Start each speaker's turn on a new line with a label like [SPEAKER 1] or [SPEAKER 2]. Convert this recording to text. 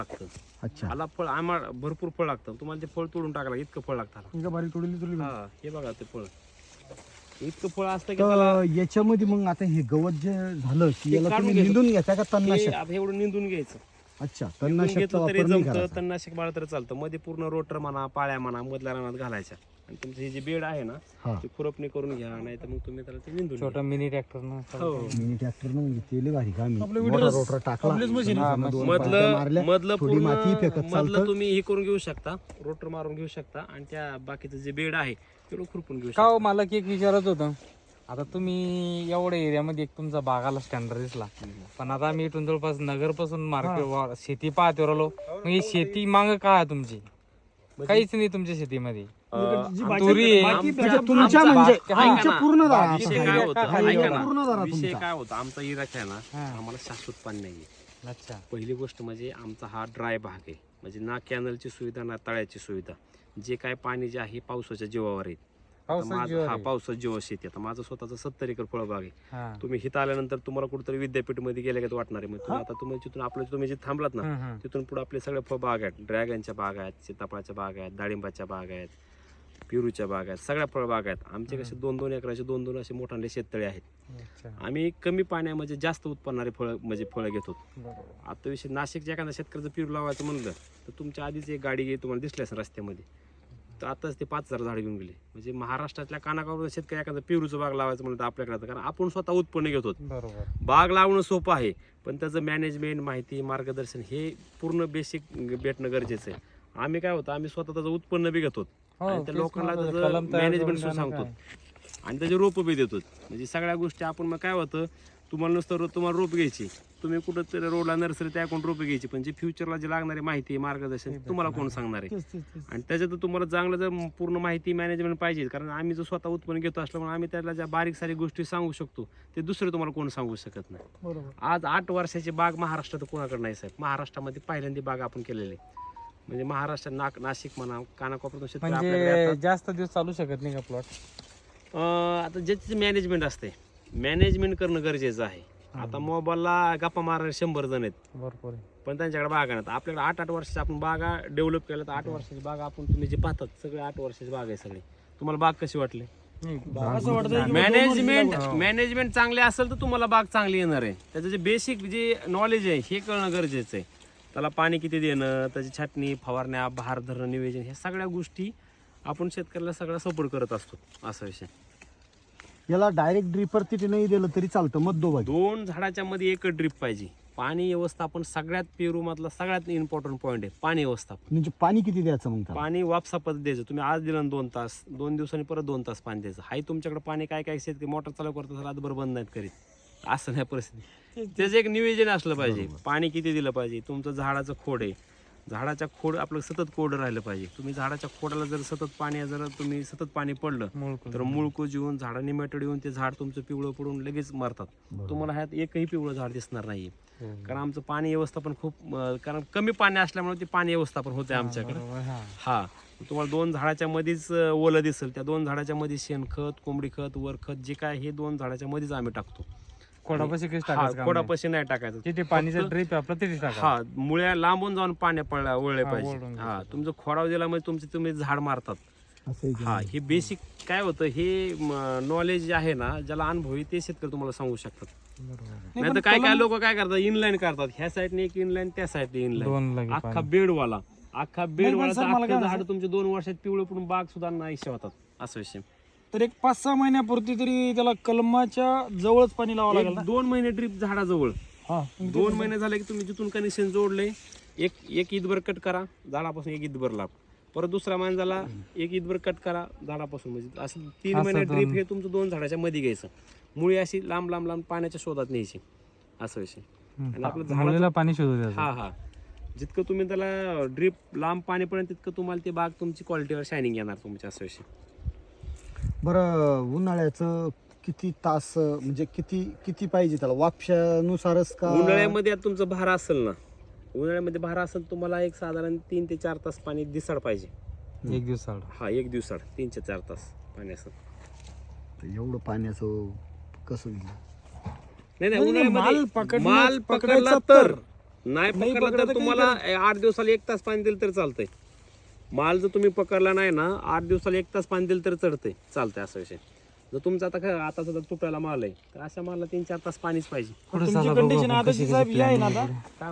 [SPEAKER 1] लागतं.
[SPEAKER 2] अच्छा.
[SPEAKER 1] आला फळ आम्हाला भरपूर फळ लागतं. तुम्हाला ते फळ तोडून टाकायला इतकं फळ लागतं.
[SPEAKER 3] बारीक तोडली
[SPEAKER 1] हा हे बघा ते फळ इतकं फळ असतं की त्याला
[SPEAKER 2] तर याच्यामध्ये मग आता हे गवत जे झालं की
[SPEAKER 1] हे
[SPEAKER 2] याला
[SPEAKER 1] काढून
[SPEAKER 2] तुम्ही
[SPEAKER 1] घ्यायचं.
[SPEAKER 2] निंदून घेता का
[SPEAKER 1] हे
[SPEAKER 2] तणनाशक?
[SPEAKER 1] आता एवढं निंदून घ्यायचं.
[SPEAKER 2] अच्छा,
[SPEAKER 1] निंदून
[SPEAKER 2] तणनाशकचा
[SPEAKER 1] घेतलं तरी
[SPEAKER 2] वापर नाही
[SPEAKER 1] जमतं.
[SPEAKER 2] करायचा.
[SPEAKER 1] तणनाशक बाळ तर चालतं. मध्ये पूर्ण रोटर म्हणा पाळ्या म्हणा मधल्या रानात घालायच्या आणि तुमचं हे जे बेड आहे ना
[SPEAKER 2] हा.
[SPEAKER 1] ते खुरपणी करून घ्या नाही तर मग तुम्ही त्याला ते निंदून
[SPEAKER 3] छोटा मिनी ट्रॅक्टर
[SPEAKER 1] हो
[SPEAKER 2] मिनी ट्रॅक्टर म्हणजे केले भारी काम आहे.
[SPEAKER 3] आपलं
[SPEAKER 2] मोठा
[SPEAKER 3] विडरस-
[SPEAKER 2] रोटर टाकला
[SPEAKER 3] आपलीच machine आहे.
[SPEAKER 2] समजा दोन पाट्या मारल्या,
[SPEAKER 1] मधलं
[SPEAKER 2] थोडी माती फेकत
[SPEAKER 1] पूर्ण मधलं
[SPEAKER 2] चालतं.
[SPEAKER 1] तुम्ही हे करून घेऊ शकता रोटर मारून घेऊ शकता आणि त्या बाकीचं जे बेड आहे तेवढं खुरपून घेऊ
[SPEAKER 3] का
[SPEAKER 1] शकता.
[SPEAKER 3] हो, मला एक विचारत होतं. आता तुम्ही एवढ्या एरियामध्ये एक तुमचा बागाला स्टँडर्ड दिसला, पण आता आम्ही इथून जवळपास नगर पासून मार्केट शेती पाहतो राहिलो. मग ही शेती माग काय आहे तुमची? काहीच नाही तुमच्या शेतीमध्ये. तुरी आहे.
[SPEAKER 2] म्हणजे तुमच्या म्हणजे
[SPEAKER 3] हा.
[SPEAKER 2] आमच्या पूर्ण दारा
[SPEAKER 1] विषय
[SPEAKER 2] आता.
[SPEAKER 1] काय होता
[SPEAKER 2] हा,
[SPEAKER 1] ऐका ना.
[SPEAKER 2] पूर्ण दारा
[SPEAKER 1] विषय
[SPEAKER 2] तुमचा.
[SPEAKER 1] काय होता आमचा इराक आहे ना
[SPEAKER 3] हा.
[SPEAKER 1] आम्हाला शाश्वत पाणी नाहीये.
[SPEAKER 3] अच्छा.
[SPEAKER 1] पहिली गोष्ट म्हणजे आमचा हा ड्राय भाग आहे म्हणजे ना कॅनलची सुविधा ना तळ्याची सुविधा. जे काय पाणी जे आहे पावसाच्या जीवावर आहे. आता
[SPEAKER 3] पावसाच्या जीवावर
[SPEAKER 1] हा
[SPEAKER 3] आहे.
[SPEAKER 1] पावसाच्या जीवावर शेती. आता माझं स्वतःचं 70 एकर फळबाग आहे.
[SPEAKER 3] हा.
[SPEAKER 1] तुम्ही हिथं आल्यानंतर तुम्हाला कुठेतरी विद्यापीठमध्ये गेले का वाटणार आहे. मग तुम्ही आता तुम्ही जिथून आपलं तुम्ही जे थांबलात ना
[SPEAKER 3] हम्म, हम्म.
[SPEAKER 1] तिथून पुढे आपले सगळे फळबाग आहेत. ड्रॅगनच्या बाग आहेत, सीताफळाच्या बाग आहेत, डाळिंबाच्या बाग आहेत, पेरूच्या बाग आहेत, सगळ्या फळबाग आहेत. आमचे कसे 2-2 एकराचे 2-2 असे मोठाले शेततळे आहेत.
[SPEAKER 3] अच्छा.
[SPEAKER 1] आम्ही कमी पाण्यामध्ये जास्त उत्पन्नारे फळं म्हणजे फळं घेतो.
[SPEAKER 3] बरोबर.
[SPEAKER 1] आता विषय नाशिकच्या एखाद्या शेतकऱ्याचं पेरू लावायचं म्हणलं तर तुमच्या आधीच एक गाडी गेली तुम्हाला दिसली असेल रस्त्यामध्ये. तर आताच ते 5,000 झाड घेऊन गेले. म्हणजे महाराष्ट्रातल्या कानाकोपऱ्यात शेतकरी एखादं पेरूचं बाग लावायचं म्हणलं तर आपल्याकडे आता कारण आपण स्वतः उत्पन्न घेतो.
[SPEAKER 3] बरोबर.
[SPEAKER 1] बाग लावणं सोपं आहे पण त्याचं मॅनेजमेंट माहिती मार्गदर्शन हे पूर्ण बेसिक भेटणं गरजेचं आहे. आम्ही काय होतं आम्ही स्वतः त्याचं उत्पन्न बी घेतो
[SPEAKER 3] हो,
[SPEAKER 1] आणि त्या
[SPEAKER 3] तेच
[SPEAKER 1] लोकांना
[SPEAKER 3] म्हणलं,
[SPEAKER 1] त्याचं
[SPEAKER 3] कलम तयार
[SPEAKER 1] मॅनेजमेंट
[SPEAKER 3] करून
[SPEAKER 1] सांगतो
[SPEAKER 3] काय?
[SPEAKER 1] आणि त्याचे रोपं बी देतो. म्हणजे सगळ्या गोष्टी आपण मग काय होतं तुम्हाला नुसतं तुम्हाला रोप घ्यायची तुम्ही कुठं तरी रोडला नर्सरी त्याकडून रोपं घ्यायची पण जे फ्युचरला जे लागणारी माहिती मार्गदर्शन तुम्हाला कोण सांगणार आहे. आणि त्याच्यात तुम्हाला चांगलं जर पूर्ण माहिती मॅनेजमेंट पाहिजे कारण आम्ही जो स्वतः उत्पन्न घेतो असल्यामुळे आम्ही त्याला ज्या बारीक सारी गोष्टी सांगू शकतो ते दुसरे तुम्हाला कोण सांगू शकत नाही.
[SPEAKER 3] बरोबर.
[SPEAKER 1] आज 8 वर्षाची बाग महाराष्ट्रात कोणाकडे नाही साहेब. महाराष्ट्रामध्ये पहिल्यांदा बाग आपण केलेली आहे. म्हणजे महाराष्ट्रात नाशिक म्हणा कानाकोपऱ्यातून शेतकरी आपल्याकडे
[SPEAKER 3] म्हणजे
[SPEAKER 1] येतात.
[SPEAKER 3] जास्त दिवस चालू शकत नाही का प्लॉट?
[SPEAKER 1] आता ज्याचे मॅनेजमेंट असते मॅनेजमेंट करणं गरजेचं आहे. आता मोबाईलला गप्पा मारणारे 100 जण आहेत
[SPEAKER 3] भरपूर आहे.
[SPEAKER 1] पण त्यांच्याकडे बागा नाहीत. आपल्याकडे 8-8 वर्षाच्या आपण बागा डेव्हलप केल्या तर 8 वर्षाची बागा आपण तुम्ही जे पाहतात सगळे 8 वर्षाची बाग आहे सगळी. तुम्हाला बाग कशी वाटली?
[SPEAKER 3] असं वाटतं
[SPEAKER 1] मॅनेजमेंट चांगले असेल तर तुम्हाला बाग चांगली येणार आहे. त्याचं जे बेसिक जे नॉलेज आहे हे कळणं गरजेचं आहे. त्याला पाणी किती देणं त्याची छाटणी फवारण्या बहार धरणं नियोजन ह्या सगळ्या गोष्टी आपण शेतकऱ्याला सगळा सपोर्ट करत असतो. असा विषय.
[SPEAKER 2] याला डायरेक्ट ड्रिपर तिथे नाही दिलं तरी चालतं मध्यभागी.
[SPEAKER 1] 2 झाडाच्या मध्ये एक ड्रिप पाहिजे. पाणी व्यवस्थापन सगळ्यात पेरू मधला सगळ्यात इम्पॉर्टंट पॉईंट आहे पाणी व्यवस्थापन.
[SPEAKER 2] म्हणजे पाणी किती द्यायचं मग त्याला?
[SPEAKER 1] पाणी वापसा पद्धत द्यायचं. तुम्ही आज दिलं 2 तास 2 दिवसांनी परत 2 तास पाणी द्यायचं. हाय तुमच्याकडे पाणी काय काय शेतकरी मोटर चालू करतात रातभर बंद नाहीत करीत. असं नाही परिस्थिती. त्याचं एक नियोजन असलं पाहिजे. पाणी किती दिलं पाहिजे. तुमचं झाडाचं खोड आहे झाडाच्या खोड आपलं सतत कोरडं राहिलं पाहिजे. तुम्ही झाडाच्या खोडाला जर सतत पाणी जर तुम्ही सतत पाणी पडलं तर मुळकूज येऊन झाडांनी मेटड येऊन ते झाड तुमचं पिवळं पडून लगेच मरतात. तुम्हाला ह्यात एकही पिवळं झाड दिसणार नाहीये. कारण आमचं पाणी व्यवस्थापन खूप कारण कमी पाणी असल्यामुळे ते पाणी व्यवस्थापन होते आमच्याकडे. हा तुम्हाला 2 झाडाच्या मध्येच ओलं दिसेल. त्या 2 झाडाच्या मध्ये शेणखत कोंबडी खत वर खत जे काय हे 2 झाडाच्या मध्येच आम्ही टाकतो. खोडापाशी नाही टाकायचं.
[SPEAKER 3] किती पाणीचा ड्रिप आपलं तिथे टाका.
[SPEAKER 1] हा मुळ्या लांबून जाऊन पाणी ओळले पाहिजे. हा तुमचं खोडाव दिला म्हणजे तुम्ही झाड मारतात. हा हे बेसिक काय होतं हे नॉलेज आहे ना ज्याला अनुभवी ते शेतकरी तुम्हाला सांगू शकतात. नाही तर काय काय लोक काय करतात इनलाईन करतात. ह्या साईडने एक इनलाईन त्या साईडने इनलाईन अख्खा बेडवाला झाड तुमचे 2 वर्षात पिवळे पडून बाग सुद्धा नाहीशे होतात. असा विषय.
[SPEAKER 4] तर एक 5-6 महिन्यापुरती तरी त्याला कलमाच्या जवळच पाणी लावावं लागेल ना?
[SPEAKER 1] 2 महिने ड्रीप झाडाजवळ.
[SPEAKER 4] हा
[SPEAKER 1] 2 महिने झाले की तुम्ही जिथून कनेक्शन जोडले एक ईदभर कट करा झाडापासून एक ईदभर लाभ. परत दुसरा महिना झाला एक ईदभर कट करा झाडापासून. म्हणजे असं 3 महिने ड्रीप हे तुमचं 2 झाडाच्या मध्ये घ्यायचं. मुळी अशी लांब लांब लांब पाण्याच्या शोधात न्यायची. असा विषय. आणि आपलं झाडाला
[SPEAKER 3] पाणी शोधू.
[SPEAKER 1] हा जितकं तुम्ही त्याला ड्रीप लांब पाणी पडेल तितकं तुम्हाला ते बाग तुमची क्वालिटीवर शायनिंग येणार तुमच्या. असा विषय.
[SPEAKER 2] बरं उन्हाळ्याचं किती तास म्हणजे किती पाहिजे त्याला वापशानुसारच का?
[SPEAKER 1] उन्हाळ्यामध्ये आता तुमचं भार असेल ना उन्हाळ्यामध्ये भार असेल तुम्हाला एक साधारण 3 ते 4 तास पाणी दिसाड पाहिजे.
[SPEAKER 3] एक दिवस
[SPEAKER 1] हा एक दिवसाड 3 ते 4 तास पाणी असेल.
[SPEAKER 2] एवढं पाण्याचं कसं?
[SPEAKER 1] नाही
[SPEAKER 4] माल
[SPEAKER 1] माल पकडला तर नाही पकडला तर तुम्हाला 8 दिवसाला 1 तास पाणी दिलं तर चालतंय. माल जर तुम्ही पकडला नाही ना 8 दिवसाला 1 तास पाणी दिलं तर चढतंय, चालतंय असा विषय. जर तुमचा आता सुद्धा तुटायला माल आहे तर अशा मालला 3-4 तास पाणीच पाहिजे.
[SPEAKER 4] तुमची कंडिशन आता साहेब ही आहे ना आता